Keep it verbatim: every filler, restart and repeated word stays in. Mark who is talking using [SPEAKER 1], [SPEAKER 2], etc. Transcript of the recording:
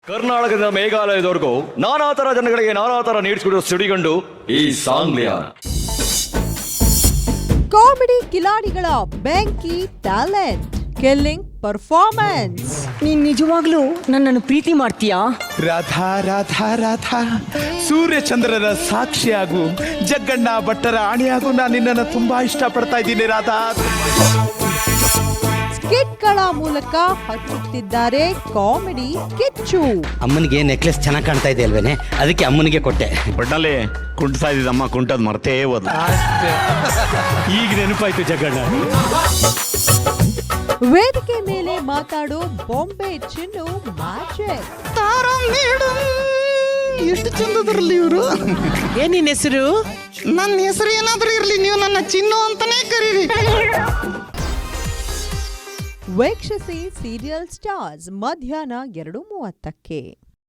[SPEAKER 1] ಕರ್ನಾಟಕದಿಂದ ಮೇಘಾಲಯದವರೆಗೂ ನಾನಾ ತರ ಜನಗಳಿಗೆ ನಾನಾ ತರ ನೀಡಿಸಿಕೊಡುವ ಸಿಡಿಗಂಡು ಈ ಸಾಂಗ್ಲಿಯಾ.
[SPEAKER 2] ಕಾಮಿಡಿ ಕಿಲಾಡಿಗಳ ಬೆಂಕಿ ಟ್ಯಾಲೆಂಟ್, ಕಿಲ್ಲಿಂಗ್ ಪರ್ಫಾರ್ಮೆನ್ಸ್.
[SPEAKER 3] ನೀನ್ ನಿಜವಾಗ್ಲೂ ನನ್ನನ್ನು ಪ್ರೀತಿ ಮಾಡ್ತೀಯಾ?
[SPEAKER 4] ರಾಧಾ ರಾಧಾ ರಾಧಾ, ಸೂರ್ಯಚಂದ್ರರ ಸಾಕ್ಷಿಯಾಗು, ಜಗ್ಗಣ್ಣ ಭಟ್ಟರ ಆಣಿಯಾಗು, ನಾನು ನಿನ್ನನ್ನು ತುಂಬಾ ಇಷ್ಟಪಡ್ತಾ ಇದ್ದೀನಿ ರಾಧಾ.
[SPEAKER 2] ಸ್ಕಿಟ್ಗಳ ಮೂಲಕ ಹಚ್ಚುತ್ತಿದ್ದಾರೆ ಕಾಮಿಡಿ ಕಿಚ್ಚು.
[SPEAKER 5] ಅಮ್ಮನಿಗೆ ನೆಕ್ಲೆಸ್ ಚೆನ್ನಾಗಿ ಕಾಣ್ತಾ ಇದೆ ಅಲ್ವೇನೆ, ಅದಕ್ಕೆ ಅಮ್ಮನಿಗೆ ಕೊಟ್ಟೆ.
[SPEAKER 6] ಒಟ್ಟಲ್ಲಿ ಕುಂಟ್ತಾ ಇದ್ದಿದ್ದಮ್ಮ, ಕುಂಟದ್ ಮರ್ತೇ ಹೋದ.
[SPEAKER 1] ಈಗ ನೆನಪಾಯ್ತು ಜಗ್ಗಣ್ಣ.
[SPEAKER 2] ವೇದಿಕೆ ಮೇಲೆ ಮಾತಾಡೋ ಬಾಂಬೆ ಚಿನ್ನು ಮ್ಯಾಜಿಕ್.
[SPEAKER 7] ಎಷ್ಟು ಚಂದದ್ರಲ್ಲಿ ಇವರು.
[SPEAKER 3] ಏನ್ ನಿನ್ ಹೆಸರು?
[SPEAKER 7] ನನ್ನ ಹೆಸರು ಏನಾದ್ರೂ ಇರ್ಲಿ, ನೀವು ನನ್ನ ಚಿನ್ನು ಅಂತಾನೆ ಕರೀರಿ.
[SPEAKER 2] ವೀಕ್ಷಿಸಿ ಸೀರಿಯಲ್ ಸ್ಟಾರ್ಸ್ ಮಧ್ಯಾಹ್ನ ಎರಡು ಮೂವತ್ತಕ್ಕೆ.